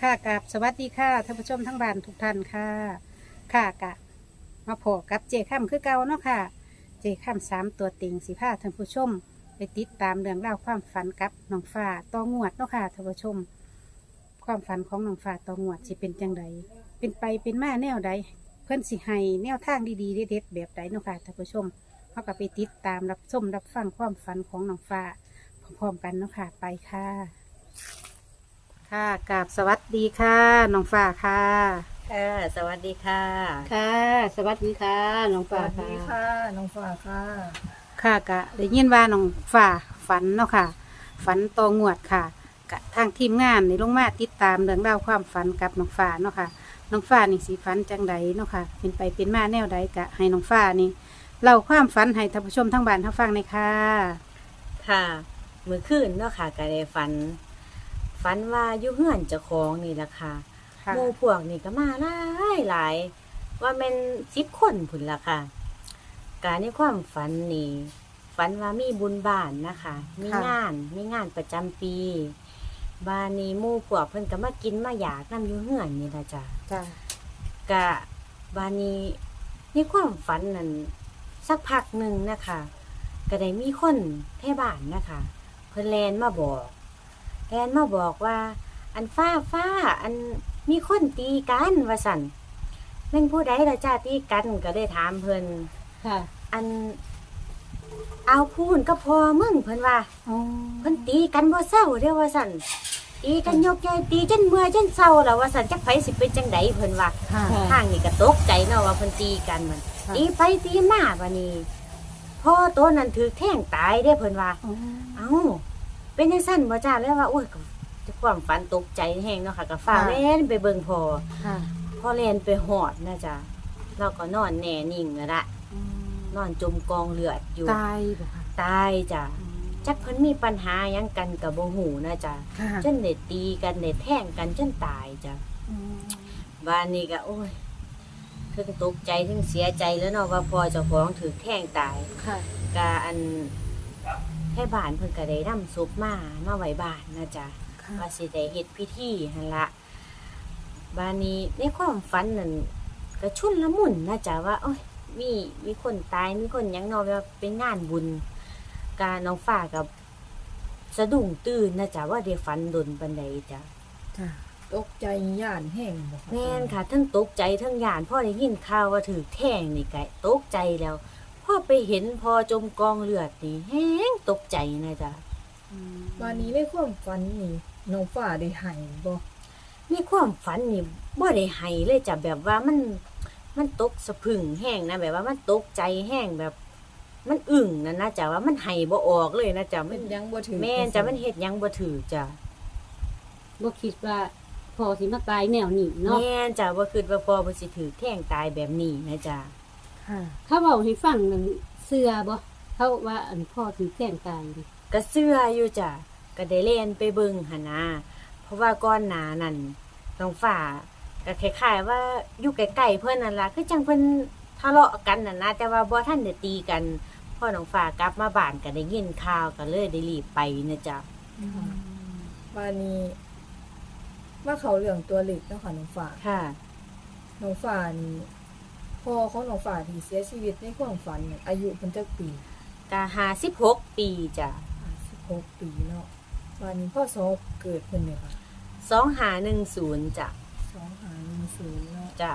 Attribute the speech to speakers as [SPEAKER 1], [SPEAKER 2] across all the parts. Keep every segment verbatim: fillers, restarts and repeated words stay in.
[SPEAKER 1] ค่ะกับสวัสดีค่ะท่านผู้ชมทั้งบ้านทุกท่านค่ะค่ะกะมาพบกับเจค่ำคือเก่าเนาะค่ะ เจค่ำสามตัวเต็งสีผ้าท่านผู้ชม ไปติดตามเรื่องราวความฝันกับน้องฟ้าต่องวดเนาะค่ะท่านผู้ชม ความฝันของน้องฟ้าต่องวดสิเป็นจังไดเป็นไปเป็นมาแนวใดเพื่อนสิให้แนวทางดีๆเด็ดๆแบบใดเนาะค่ะท่านผู้ชมเขาก็ไปติดตามรับชมรับฟังความฝันของน้องฟ้าพร้อมๆกันเนาะค่ะไปค่ะ ค่ะกราบสวัสดีค่ะน้องฟ้าค่ะ
[SPEAKER 2] ค่ะสวัสดีค่ะ
[SPEAKER 1] ค่ะ สวัสดีค่ะน้อง
[SPEAKER 3] ส
[SPEAKER 1] ฟ้า
[SPEAKER 3] วัสดีค่ะ น้องฟ้าค่ะ
[SPEAKER 1] ค่ะกะได้ยินว่าน้องฟ้าฝันเนาะค่ะ ฝันตองวดค่ะกะทางทีมงานในลงมาติดตามเรื่องราวความฝันกับน้องฟ้าเนาะค่ะน้องฟ้านี่สีฝันจังใดเนาะค่ะ เป็นไปเป็นมาแนวใดกะให้น้องฟ้านี่เล่าความฝันให้ท่านผู้ชมทั้งบ้านทั้งฟังในอยค่ะ
[SPEAKER 2] ค่ะมื้อคืนเนาะค่ะก็ได้ฝัน ฝันว่าอยู่เฮือนเจ้าของนี่ล่ะค่ะ
[SPEAKER 1] ค่ะ
[SPEAKER 2] หมู่พวกนี่ก็มาหลายหลายว่าแม่นสิบคนพุ่นล่ะค่ะการในความฝันนี่ฝันว่ามีบุญบ้านนะคะ มีงานมีงานประจำปีบ้านนี้หมู่พวกเพิ่นก็มากินมาอยากนำอยู่เฮือนนี่ล่ะจ้ะ
[SPEAKER 1] จ้ะ
[SPEAKER 2] กะบานี้ในความฝันนั้นสักพักหนึ่งนะคะก็ได้มีคนแท่บ้านนะคะเพิ่นแลนมาบอกแลนมาบอกว่า อันฟ้าฟ้าอันมีคนตีกันว่าสั่นแม่นผู้ใดละจ้าตีกันก็ได้ถามเพิ่น
[SPEAKER 1] ค่ะ
[SPEAKER 2] อันเอาพูนก็พอมึงเพิ่นว่า
[SPEAKER 1] อ๋อ
[SPEAKER 2] เพิ่นตีกันบ่เศร้าเด้อว่าสั่นตีกันยกใหญ่ตีจนเมื่อยจนเศร้าแล้วว่าสั่นจักไผสิเป็นจังไดเพิ่นว่า
[SPEAKER 1] ค่ะ
[SPEAKER 2] ทางนี่ก็ตกใจเนาะว่าเพิ่นตีกันมัน
[SPEAKER 1] ค่ะ
[SPEAKER 2] ตีไปตีมาบัดนี้พ่อตัวนั้นถูกแทงตายเด้เพิ่นว่า
[SPEAKER 1] อ๋อ
[SPEAKER 2] เอ้าเป็นจังซั่นบ่จ้าแล้วว่าโอ้ยก็ความฝันตกใจแฮงเนาะค่ะก็ฟ้าแล่นไปเบิ่งพ่อ
[SPEAKER 1] ค่ะ
[SPEAKER 2] พ่อแล่นไปหอดนะจ้ะเราก็นอนแน่นิ่งแล้วละนอนจมกองเลือดอยู่
[SPEAKER 1] ตายบ่ค่ะ
[SPEAKER 2] ตายจ้ะจักเพิ่นมีปัญหาหยังกันก็บ่ฮู้นะจ้ะ
[SPEAKER 1] ค่ะ
[SPEAKER 2] จนได้ตีกันได้แทงกันจนตายจ้ะ
[SPEAKER 1] อืม
[SPEAKER 2] บ้านนี้ก็โอ้ยถึงตกใจถึงเสียใจแล้วเนาะว่าพ่อเจ้าของถูกแทงตาย
[SPEAKER 1] ค่ะ
[SPEAKER 2] กะอันให้บ้านเพิ่นก็ได้นำศพมามาไว้บ้านนะจ๊ะ
[SPEAKER 1] ค่ะ
[SPEAKER 2] ว่าสิได้เฮ็ดพิธีหั่นละบ้านนี้ในความฝันนั่นก็ชุนละมุนนะจ๊ะว่าโอ้ยมีมีคนตายมีคนหยังเนาะว่าเป็นงานบุญกาน้องฟ้ากับสะดุ้งตื่นนะจ๊ะว่าได้ฝันดนปานใดจ้ะ
[SPEAKER 1] จ้ะ
[SPEAKER 3] ตกใจย่านแห้งบ่คะ
[SPEAKER 2] แม่นค่ะทั้งตกใจทั้งหยานพ่อได้ยินข่าวว่าถือแท่งนี่ก็ตกใจแล้วพ่อไปเห็นพอจมกองเลือดนี่แห้งตกใจนะจ๊ะ
[SPEAKER 1] อืม
[SPEAKER 3] วันนี้ในความฝันนี่น้องฟ้าได้ให้บ่
[SPEAKER 2] มีความฝันนี่บ่ได้ให้เลยจ้ะแบบว่ามันมันตกสะพรึงแห้งนะแบบว่ามันตกใจแห้งแบบ มันอึ้งนั่นนะจ๊ะว่ามันให้บ่ออกเลยนะจ๊ะมั
[SPEAKER 3] เป็น นยังบ่ถึง
[SPEAKER 2] แม่นจ้ะมันเฮ็ดหยังบ่ถือจ้ะ
[SPEAKER 4] บ่คิดว่าพอสิมาตายแนวนี้เนาะ
[SPEAKER 2] แม่นจ้ะบ่คิดว่าพ่อบ่สิถือแท่งตายแบบนี้นะจ๊ะ
[SPEAKER 1] ค่ะ
[SPEAKER 4] เขาเว้าให้ฟังนั่นเชื่อบ่เขาว่าอันพ่อถึงแกล้งตายนี่
[SPEAKER 2] ก็เชื่ออยู่จ้ะก็ได้เล่นไปเบิ่งหั่นนะเพราะว่าก่อนหน้านั้นน้องฟ้าก็คล้ายๆว่าอยู่ใกล้ๆเพิ่นนั่นล่ะคือจังเพิ่นทะเลาะกันนั่นนะแต่ว่าบ่ทันได้ตีกันพอน้องฟ้ากลับมาบ้านก็ได้ยินข่าวก็เลยได้รีบไปนะจ๊ะ
[SPEAKER 3] วันนี้มาเข้าเรื่องตัวเล็กเนาะค่ะน้องฟ้า
[SPEAKER 2] ค่ะ
[SPEAKER 3] น้องฟ้านี่พ่อของน้องฟ้าที่เสียชีวิตในความฝันเนี่ยอายุเพิ่นจักปี
[SPEAKER 2] ก็ห้าสิบหกปีจ้ะ
[SPEAKER 3] ห้าสิบหกปีเนาะวันนี้พ่อสอบเกิดเพิ่นเนี่ยค่ะ
[SPEAKER 2] สองห้าหนึ่งศูนย์จ้ะ
[SPEAKER 3] สองห้าหนึ่งศูนย์เนาะ
[SPEAKER 2] จ้ะ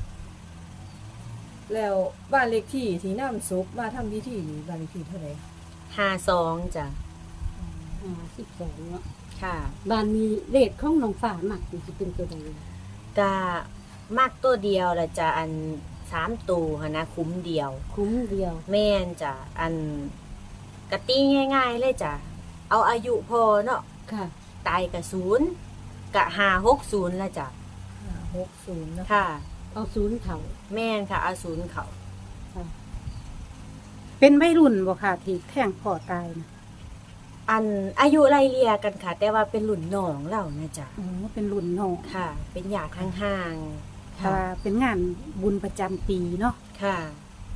[SPEAKER 3] แล้วบ้านเลขที่ที่นำศพมาทำพิธีนี่บ้านเลขที่เท่าไหร่
[SPEAKER 2] ห้าสองจ้ะ
[SPEAKER 4] อ่าสิบสองเนาะ
[SPEAKER 2] ค่ะ
[SPEAKER 4] บ้านมีเลขของน้องฟ้ามักนี่สิเป็นตัวใด
[SPEAKER 2] ก็มากตัวเดียวละจ้ะอันสามตัวหั้นนะคุ้มเดียว
[SPEAKER 4] คุ้มเดียว
[SPEAKER 2] แม่นจ้ะอันกะตีง่ายๆเลยจ้ะเอาอายุพอเนาะ
[SPEAKER 4] ค่ะ
[SPEAKER 2] ตายกะศูนย์กะห้าหกศูนย์ละจ้ะ
[SPEAKER 3] ห้าหกศูนย์นะคะ
[SPEAKER 2] ค่ะ
[SPEAKER 4] เอาศูนย์เท่า
[SPEAKER 2] แม่นค่ะเอาศูนย์เขา
[SPEAKER 4] ค่ะ
[SPEAKER 1] เป็นวัยรุ่นบ่ค่ะที่แท่งพ่อตายนะ
[SPEAKER 2] อันอายุไล่เลี่ยกันค่ะ แต่ว่าเป็นหลุ่นน้องเรานะจ้ะ
[SPEAKER 1] อ๋อเป็นรุ่นน้อง
[SPEAKER 2] ค่ะ เป็นญาติห่าง
[SPEAKER 1] ถ้าเป็นงานบุญประจำปีเนาะ
[SPEAKER 2] ๆค่ะ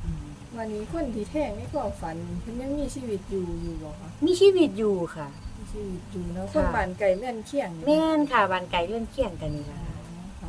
[SPEAKER 3] วันนี้คนที่แท้งในความฝันเพิ่นยังมีชีวิตอยู่อยู่บ่คะ
[SPEAKER 2] มีชีวิตอยู่ค่ะ
[SPEAKER 3] มีชีชีวิตอยู่เนาะ
[SPEAKER 2] ค่ะ
[SPEAKER 3] คนบ้านไก่เลื่อนเคียง
[SPEAKER 2] แม่นค่ะบ้านไกลเลื่อนเคียงกันนี่ล่ะ
[SPEAKER 3] ค่ะ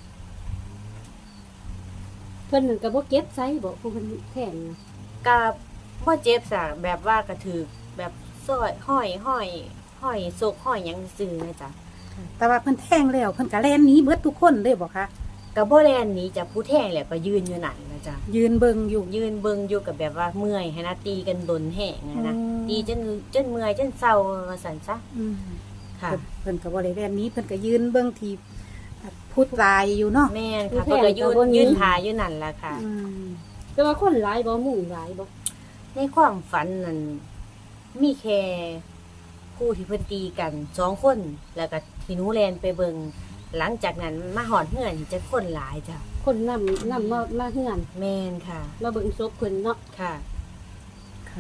[SPEAKER 4] เพิ่นนั่นก็บ่เก็บไสบ่ผู้เพิ่นแทงน่ะ
[SPEAKER 2] ก็บ่เจ็บซะแบบว่ากระถือแบบซอยห้อยห้อยห้อยซกห้อยหยังซื่อนะจ๊ะ
[SPEAKER 1] แต่ว่าเพิ่นแทงแล้วเพิ่นก็แล่นหนีเบิดทุกคนเลยบ่คะ
[SPEAKER 2] ก็บ่แล่นหนีจากผู้แทงแหละก็ยืนอยู่นั่นนะจ๊ะ
[SPEAKER 1] ยืนเบิ่งอยู่
[SPEAKER 2] ยืนเบิ่งอยู่กับแบบว่าเมื่อยให้นะตีกันดนแห้งอะนะ
[SPEAKER 1] อืม
[SPEAKER 2] ตีจนจนเมื่อยจนเศร้าว่าซั่นซะ
[SPEAKER 1] อืม
[SPEAKER 2] ค่ะ
[SPEAKER 1] เพิ่นเพิ่นก็บ่ได้แล่นหนีเพิ่นก็ยืนเบิ่งที่ผู้ตายอยู่เนาะ
[SPEAKER 2] แม่นค่ะเพิ่นก็ยืนยืนทาอยู่นั่นล่ะค่ะ
[SPEAKER 1] อืม
[SPEAKER 4] แต่ว่าคนหลายบ่หมู่หลายบ่
[SPEAKER 2] ในความฝันนั้นมีแค่คู่ที่เพิ่นตีกันสองคนแล้วก็ที่หนูแลนไปเบิงหลังจากนั้นมาหอดเฮือนจะคนหลายจ้ะ
[SPEAKER 4] คนนำนำมามาเฮือน
[SPEAKER 2] แม่นค่ะ
[SPEAKER 4] มาเบิ่งศพเพิ่นเนาะ
[SPEAKER 2] ค่ะ
[SPEAKER 1] ค่ะ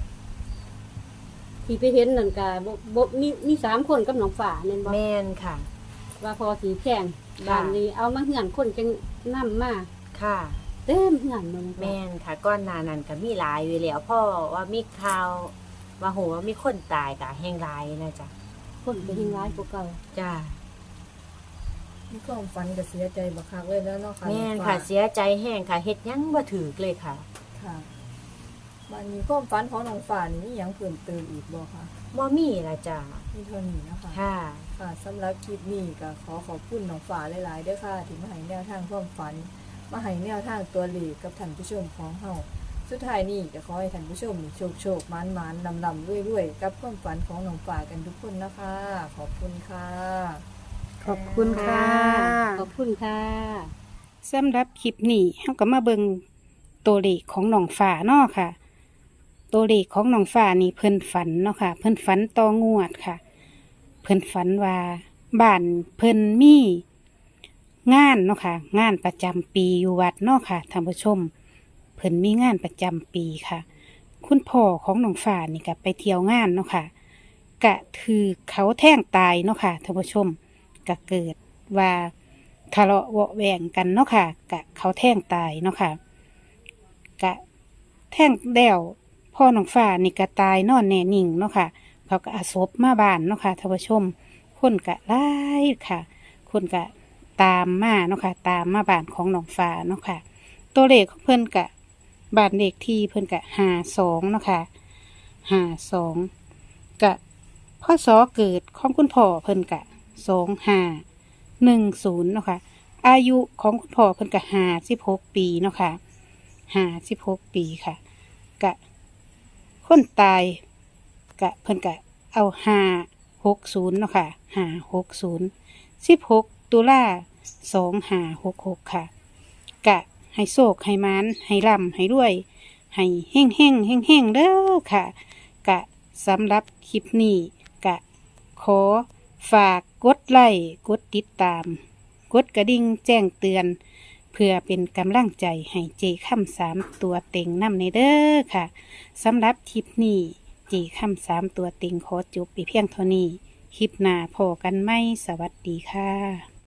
[SPEAKER 4] ที่ไปเห็นนั่นก็บ่บ่มีมีสามคนกับน้องฟ้าแม่นบ่
[SPEAKER 2] แม่นค่ะ
[SPEAKER 4] ว่าพอสีแพงบ้านนี้เอามาเฮือนคนจังนำมา
[SPEAKER 2] ค่ะ
[SPEAKER 4] เต็มเฮือนเลย
[SPEAKER 2] แม่นค่ะก้อนหนานั้นก็มีหลายอยู่แล้วพ่อว่ามีข่าวว่าโหว่ามีคนตายก็แห่งหลายนะจ๊ะ
[SPEAKER 4] คนก็ยิ่งร้ายกว่าเก่า
[SPEAKER 2] จ้า
[SPEAKER 3] มีความฝันก็เสียใจบักคักเลยแล้วเนาะค่ะ
[SPEAKER 2] แม่น
[SPEAKER 3] น้อง
[SPEAKER 2] ค่ะ
[SPEAKER 3] ฟ้า
[SPEAKER 2] เสียใจแห้งค่ะเฮ็ดหยังบ่ถูกเลยค่ะ
[SPEAKER 3] ค่ะมันมีความฝันของน้องฟ้านี่มีหยังเพิ่มเติมอีกบ่คะ
[SPEAKER 2] บ่มีละจ้า
[SPEAKER 3] มีเท่านี้นะคะ
[SPEAKER 2] ค่ะ
[SPEAKER 3] ค่ะสำหรับคลิปนี้ก็ขอขอบคุณน้องฟ้าหลายๆด้วยค่ะที่มาให้แนวทางความฝันมาให้แนวทางตัวเลขกับท่านผู้ชมของเฮาสุดท้ายนี้ก็ขอให้ท่านผู้ชมโชคโชคมันมันลำลำรวยรวยกับความฝันของน้องฟ้ากันทุกคนนะคะ ขอบคุณค่ะ
[SPEAKER 1] ขอบคุณค่ะ
[SPEAKER 4] ขอบคุณค่ะ
[SPEAKER 1] สำหรับคลิปนี้เฮาก็มาเบิ่งตัวเลขของน้องฟ้าเนาะค่ะ ตัวเลขของน้องฟ้านี่เพิ่นฝันเนาะค่ะ เพิ่นฝันต่องวดค่ะ เพิ่นฝันว่าบ้านเพิ่นมีงานเนาะค่ะ งานประจำปีอยู่วัดเนาะค่ะท่านผู้ชม เพิ่นมีงานประจำปีค่ะ คุณพ่อของน้องฟ้านี่ก็ไปเที่ยวงานเนาะค่ะกะถือเขาแท่งตายเนาะค่ะท่านผู้ชมก็เกิดว่าทะเลาะเบาะแวงกันเนาะค่ะกะเขาแท่งตายเนาะค่ะกะแท่งแล้วพ่อน้องฟ้านี่ก็ตายนอนแน่นิ่งเนาะค่ะ เขาก็อาศพมาบ้านเนาะค่ะท่านผู้ชม คนกะไล่ค่ะ คนกะตามมาเนาะค่ะ ตามมาบ้านของน้องฟ้าเนาะค่ะ ตัวเลขของเพิ่นกะบ้านเลขที่เพิ่นกะห้าสองเนาะค่ะห้าสองกะพ่อสอเกิดของคุณพ่อเพิ่นกะสองห้าหนึ่งศูนย์เนาะค่ะ อายุของคุณพ่อเพิ่นกะห้าสิบหกปีเนาะค่ะห้าสิบหกปีค่ะ กะคนตายกะเพิ่นกะเอาห้าหกศูนย์เนาะค่ะห้าหกศูนย์สิบหกตุลาสองห้าหกหกค่ะ กะให้โศกให้มานให้ร่ำให้รวย ให้เฮ่งเฮ่งเฮ่งเฮ่งเด้อค่ะ กะสำหรับคลิปนี้กะขอฝากกดไลค์กดติดตาม กดกระดิ่งแจ้งเตือน เพื่อเป็นกำลังใจให้เจค่ำสามตัวเต็งนำในเด้อค่ะสำหรับคลิปนี้เจค่ำสามตัวเต็งขอจบไปเพียงเท่านี้ คลิปหน้าพอกันไหมสวัสดีค่ะ